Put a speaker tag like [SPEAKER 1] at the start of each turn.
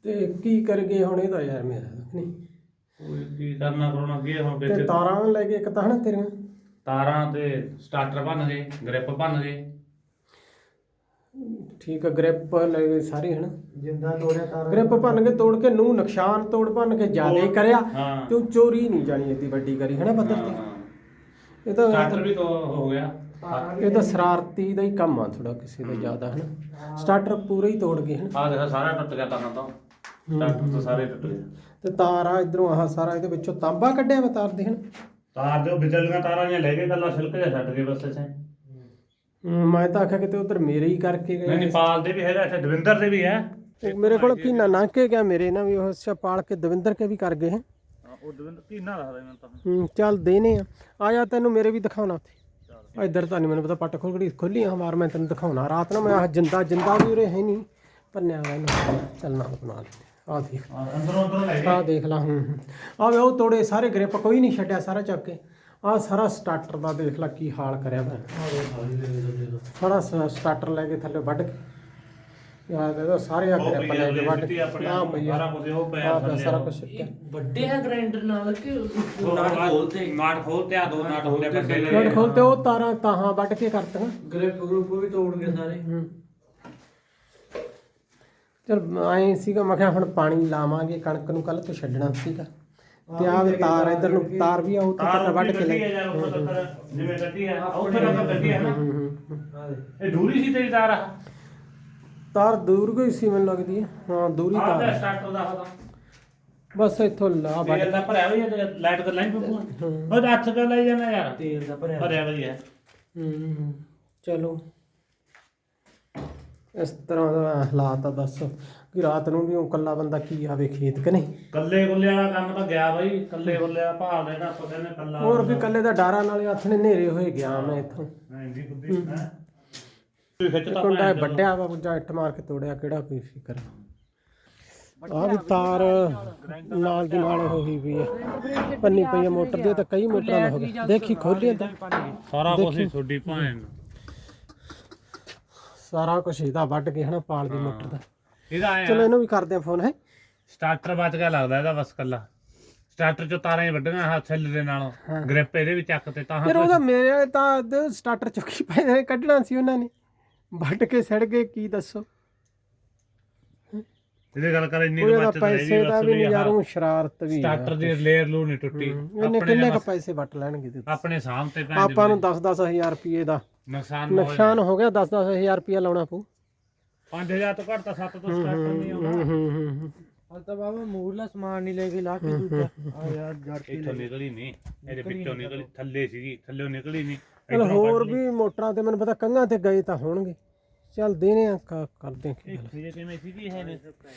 [SPEAKER 1] ਤੇ ਕੀ ਕਰ ਗਏ ਹੁਣ ਇਹਦਾ ਯਾਰ ਮੇਰਾ ਨਹੀਂ
[SPEAKER 2] ਕੋਈ ਕੀ ਕਰਨਾ ਕਰਾਉਣਾ ਕੀ ਹੁਣ
[SPEAKER 1] ਤੇ
[SPEAKER 2] ਕਿੱਥੇ
[SPEAKER 1] ਤਾਰਾਂ ਲੈ ਕੇ ਇੱਕ ਤਾਂ ਹਨਾ ਤੇਰੀਆਂ
[SPEAKER 2] ਤਾਰਾਂ ਤੇ ਸਟਾਰਟਰ ਭੰਨ ਗਏ ਗ੍ਰਿਪ ਭੰਨ ਗਏ
[SPEAKER 1] ਠੀਕ ਆ ਗ੍ਰਿਪ ਲੈ ਗਏ ਸਾਰੇ ਹਨਾ
[SPEAKER 3] ਜਿੰਦਾ ਤੋੜਿਆ ਤਾਰਾਂ
[SPEAKER 1] ਗ੍ਰਿਪ ਭੰਨ ਕੇ ਤੋੜ ਕੇ ਨੂੰ ਨੁਕਸਾਨ ਤੋੜ ਭੰਨ ਕੇ ਜ਼ਿਆਦਾ ਹੀ ਕਰਿਆ
[SPEAKER 2] ਹਾਂ।
[SPEAKER 1] ਤੇ ਉਹ ਚੋਰੀ ਨਹੀਂ ਜਾਣੀ ਇੱਡੀ ਵੱਡੀ ਕਰੀ ਹਨਾ ਪੱਧਰ
[SPEAKER 2] ਹਾਂ,
[SPEAKER 1] ਤੇ
[SPEAKER 2] ਹਾਂ।
[SPEAKER 1] ਇਹ ਤਾਂ
[SPEAKER 2] ਸਟਾਰਟਰ ਵੀ ਤੋਂ ਹੋ ਗਿਆ
[SPEAKER 1] ਇਹ ਤਾਂ ਸ਼ਰਾਰਤੀ ਦਾ ਹੀ ਕੰਮ ਆ ਥੋੜਾ ਕਿਸੇ ਦਾ ਜ਼ਿਆਦਾ ਹਨਾ ਸਟਾਰਟਰ ਪੂਰਾ ਹੀ ਤੋੜ ਗਏ ਹਨਾ
[SPEAKER 2] ਆਹ ਦੇਖੋ ਸਾਰਾ ਟੁੱਟ ਗਿਆ ਤਾਂ ਸਟਾਰਟਰ ਤੋਂ ਸਾਰੇ ਟੁੱਟ ਗਏ
[SPEAKER 1] ਤੇ ਤਾਰ ਆ ਇਧਰੋਂ ਆਹ ਸਾਰਾ ਇਹਦੇ ਵਿੱਚੋਂ ਤਾਂਬਾ ਕੱਢਿਆ ਵਾ ਤਾਰ ਦੇ ਹਨਾ
[SPEAKER 2] ਤਾਰ ਦੇ ਉਹ ਬਿਜਲੀਆਂ ਤਾਰਾਂ ਜਿਹੀਆਂ ਲੈ ਕੇ ਕੱਲਾ ਛਿਲਕ ਜਿਹਾ ਛੱਡ ਕੇ ਬਸ ਇੱਥੇ
[SPEAKER 1] ਮੈਂ ਤਾਂ ਆਖਿਆ ਕਿਤੇ ਉਧਰ ਮੇਰੇ ਹੀ ਕਰਕੇ
[SPEAKER 2] ਨਹੀਂ
[SPEAKER 1] ਗਏ
[SPEAKER 2] ਨੇਪਾਲ ਦੇ ਵੀ ਹੈਗਾ ਇੱਥੇ ਦਵਿੰਦਰ ਦੇ ਵੀ ਹੈ
[SPEAKER 1] ਤੇ ਮੇਰੇ ਕੋਲ ਕੀਨਾ ਲੰਘ ਕੇ ਗਿਆ ਮੇਰੇ ਨਾ ਵੀ ਉਹ ਅੱਛਾ ਪਾਲ ਕੇ ਦਵਿੰਦਰ ਕੇ ਵੀ ਕਰ ਗਏ ਹੈ
[SPEAKER 2] ਉਹ ਦਵਿੰਦਰ ਕੀਨਾ ਦੱਸਦਾ ਮੈਨੂੰ ਤਾਂ
[SPEAKER 1] ਚੱਲ ਦੇਨੇ ਆ ਜਾ ਤੈਨੂੰ ਮੇਰੇ ਵੀ ਦਿਖਾਉਣਾ ਉੱਥੇ ਇੱਧਰ ਤਾਂ ਨਹੀਂ ਮੈਨੂੰ ਪਤਾ ਪੱਟ ਖੋਲੀ ਆ ਮਾਰ ਮੈਂ ਤੈਨੂੰ ਦਿਖਾਉਣਾ ਰਾਤ ਨੂੰ ਮੈਂ ਆਹ ਜਿੰਦਾ ਵੀ ਉਰੇ ਹੈ ਨਹੀਂ ਭੰਨਿਆ ਵਾ ਇਹਨੂੰ ਚੱਲ ਨਾਲ ਬਣਾ ਲੈਂਦੇ ਆ ਦੇਖ
[SPEAKER 2] ਅੰਦਰੋਂ ਲੈ
[SPEAKER 1] ਆਹ ਦੇਖ ਲਾ ਆਹ ਵੇ ਉਹ ਤੋੜੇ ਸਾਰੇ ਗ੍ਰਿਪ ਕੋਈ ਨਹੀਂ ਛੱਡਿਆ ਸਾਰਾ ਚੱਕ ਕੇ ਆਹ ਸਾਰਾ ਸਟਾਰਟਰ ਦਾ ਦੇਖ ਲਾ ਕੀ ਹਾਲ ਕਰਿਆ ਮੈਂ ਸਾਰਾ ਸਟਾਰਟਰ ਲੈ ਕੇ ਥੱਲੇ ਵੱਢ ਕੇ ਯਾਰ ਇਹਦਾ ਸਾਰੇ ਆ ਗ੍ਰਿਪ ਲੈ ਕੇ ਵੱਢ ਕੇ ਆਹ ਭਈਆ
[SPEAKER 2] ਸਾਰਾ ਕੁਝ ਉਹ ਪਿਆ
[SPEAKER 1] ਆਹ ਸਾਰਾ ਕੁਝ ਸਿੱਟਿਆ
[SPEAKER 3] ਵੱਡੇ ਹੈ ਗ੍ਰਾਈਂਡਰ ਨਾਲ ਕਿ
[SPEAKER 2] ਨਾਟ ਖੋਲਤੇ ਆ ਦੋ ਨਾਟ ਹੁੰਦੇ ਵੱਡੇ
[SPEAKER 1] ਨਟ ਖੋਲਤੇ ਉਹ ਤਾਰਾਂ ਤਾਹਾਂ ਵੱਢ ਕੇ ਕਰਤੀਆਂ
[SPEAKER 3] ਗ੍ਰਿਪ ਵੀ ਤੋੜ ਗਏ ਸਾਰੇ
[SPEAKER 1] ਚਲ ਐਂ ਸੀਗਾ ਮੈਂ ਕਿਹਾ ਹੁਣ ਪਾਣੀ ਲਾਵਾਂਗੇ ਕਣਕ ਨੂੰ ਕੱਲ ਤੋਂ ਛੱਡਣਾ ਸੀਗਾ ਤੇ ਆਹ ਵੀ ਤਾਰ ਇਧਰ ਨੂੰ ਤਾਰ ਵੀ ਆ ਉਹ ਤਾਂ ਵੱਢ ਕੇ ਲੈ
[SPEAKER 2] ਜਿਵੇਂ ਕੱਢੀ ਹੈ ਉੱਥੇ ਨਾ ਕੱਢੀ ਹੈ ਨਾ ਇਹ ਦੂਰੀ ਸੀ ਤੇਰੀ ਤਾਰ ਆ
[SPEAKER 1] ਤਾਰ ਦੂਰ ਗਈ ਸੀ ਮੈਨੂੰ ਲੱਗਦੀ ਹੈ ਹਾਂ ਦੂਰੀ
[SPEAKER 2] ਆਹ
[SPEAKER 1] ਤਾਰ
[SPEAKER 2] ਸਟਾਰਟਰ ਦਾ ਹੋਦਾ
[SPEAKER 1] ਬਸ ਇੱਥੋਂ ਲਾ ਵੱਢ
[SPEAKER 2] ਤੇਲ ਦਾ ਭਰਿਆ ਹੋਈ ਹੈ ਲਾਈਟ ਦਾ ਲਾਈਨ ਪਪੂ ਉਹ ਹੱਥ ਤੇ ਲਈ ਜਾਣਾ ਯਾਰ
[SPEAKER 3] ਤੇਲ ਦਾ ਭਰਿਆ
[SPEAKER 2] ਭਰਿਆ ਹੋਈ ਹੈ
[SPEAKER 1] ਚਲੋ ਇਸ ਤਰ੍ਹਾਂ ਦਾ ਹਾਲਾਤ ਆ ਦੱਸ ਕਿ ਰਾਤ ਨੂੰ ਵੀ ਉਹ ਇਕੱਲਾ ਬੰਦਾ ਕੀ ਆਵੇ ਖੇਤ ਕਿ ਨਹੀਂ
[SPEAKER 2] ਕੱਲੇ ਗੁੱਲੇ ਵਾਲਾ ਕੰਮ ਤਾਂ ਗਿਆ ਬਾਈ ਕੱਲੇ ਗੁੱਲੇ ਦਾ ਭਾਲ ਲੈਣਾ ਪਤਾ ਨੇ ਕੱਲਾ
[SPEAKER 1] ਹੋਰ ਵੀ ਇਕੱਲੇ ਦਾ ਡਾਰਾ ਨਾਲੇ ਹੱਥ ਨੇ ਹਨੇਰੇ ਹੋਏ ਗਿਆ ਮੈਂ ਇੱਥੋਂ
[SPEAKER 2] ਹਾਂਜੀ ਬੁੱਧੀ ਹੈ ਤੂੰ ਖਿੱਚ ਤਾਂ
[SPEAKER 1] ਕੁੰਡਾ ਵੱਡਿਆ ਵਾ ਜਾਂ ਇੱਟ ਮਾਰ ਕੇ ਤੋੜਿਆ ਕਿਹੜਾ ਕੋਈ ਫਿਕਰ ਆਹ ਵੀ ਤਾਰ ਨਾਲ ਦੀ ਨਾਲ ਹੋਈ ਵੀ ਆ ਪੰਨੀ ਪਈ ਆ ਮੋਟਰ ਦੀ ਤਾਂ ਕਈ ਮੋਟਰਾਂ ਦਾ ਹੋ ਗਿਆ ਦੇਖੀ ਖੋਲੀ ਤਾਂ
[SPEAKER 2] ਸਾਰਾ ਕੁਝ ਹੀ ਛੋਡੀ ਭਾਣ
[SPEAKER 1] ਸਾਰਾ ਕੁਝ ਇਹਦਾ ਵੱਢ ਕੇ ਹਨਾ ਪਾਲ ਦੀ ਮੋਟਰ ਦਾ
[SPEAKER 2] ਇਹਦਾ ਆਇਆ
[SPEAKER 1] ਚਲੋ ਇਹਨੂੰ ਵੀ ਕਰਦੇ ਆ ਫੋਨ ਹੈ
[SPEAKER 2] ਸਟਾਰਟਰ ਬਚ ਗਿਆ ਲੱਗਦਾ ਇਹਦਾ ਬਸ ਕੱਲਾ ਸਟਾਰਟਰ ਚੋਂ ਤਾਰਾਂ ਹੀ ਵੱਡੀਆਂ ਹੱਥ ਛਿੱਲ ਦੇ ਨਾਲੋਂ ਗ੍ਰਿਪ ਇਹਦੇ ਵੀ ਚੱਕ ਤੇ ਤਾਂ
[SPEAKER 1] ਫਿਰ ਉਹਦਾ ਮੇਰੇ ਤਾਂ ਸਟਾਰਟਰ ਚੁੱਕੀ ਪਏ ਨੇ ਕੱਢਣਾ ਸੀ ਉਹਨਾਂ ਨੇ ਵੱਢ ਕੇ ਸੜ ਗਏ ਕੀ ਦੱਸੋ
[SPEAKER 2] ਇਹਦੇ ਗੱਲ ਕਰ ਇੰਨੀ
[SPEAKER 1] ਉਹਦਾ
[SPEAKER 2] ਬਚਤ
[SPEAKER 1] ਪੈਸੇ ਦਾ ਵੀ ਯਾਰੋਂ ਸ਼ਰਾਰਤ ਵੀ
[SPEAKER 2] ਸਟਾਰਟਰ ਦੀ ਲੇਅਰ ਲੂ ਨਹੀਂ ਟੁੱਟੀ
[SPEAKER 1] ਇਹਨੇ ਕਿੰਨੇ ਕ ਪੈਸੇ ਵੱਟ ਲੈਣਗੇ ਤੇ
[SPEAKER 2] ਆਪਣੇ ਸਾਹਮ ਤੇ ਭੈਣ
[SPEAKER 1] ਆਪਾਂ ਨੂੰ 10-10 ਹਜ਼ਾਰ ਰੁਪਏ ਦਾ
[SPEAKER 2] ਨੁਕਸਾਨ
[SPEAKER 1] ਹੋ ਗਿਆ 10-10 ਹਜ਼ਾਰ ਰੁਪਏ ਲਾਉਣਾ ਪਊ
[SPEAKER 2] 5000 ਤੋਂ ਘੱਟ ਤਾਂ 7 ਤੋਂ ਸਟਾਰਟਰ ਨਹੀਂ ਆਉਂਦਾ
[SPEAKER 3] ਹਲ ਤਾਂ ਬਾਬਾ ਮੂਰਲਾ ਸਮਾਨ ਨਹੀਂ ਲੈ ਕੇ ਲਾ ਕੇ ਦੂਜਾ ਆ ਯਾਰ ਜੜ ਕੇ
[SPEAKER 2] ਇੱਥੋਂ ਨਿਕਲੀ ਨਹੀਂ ਇਹਦੇ ਵਿੱਚੋਂ ਨਿਕਲੀ ਥੱਲੇ ਸੀਗੀ ਥੱਲੇ ਨਿਕਲੀ ਨਹੀਂ
[SPEAKER 1] ਚਲ ਹੋਰ ਵੀ ਮੋਟਰਾਂ ਤੇ ਮੈਨੂੰ ਪਤਾ ਕੰਘਾਂ ਤੇ ਗਏ ਤਾਂ ਹੋਣਗੇ ਚੱਲ ਦੇਣੇ ਆ ਕਰਦੇ ਆ
[SPEAKER 2] ਇਹ ਕਿਵੇਂ ਸੀਗੀ ਇਹ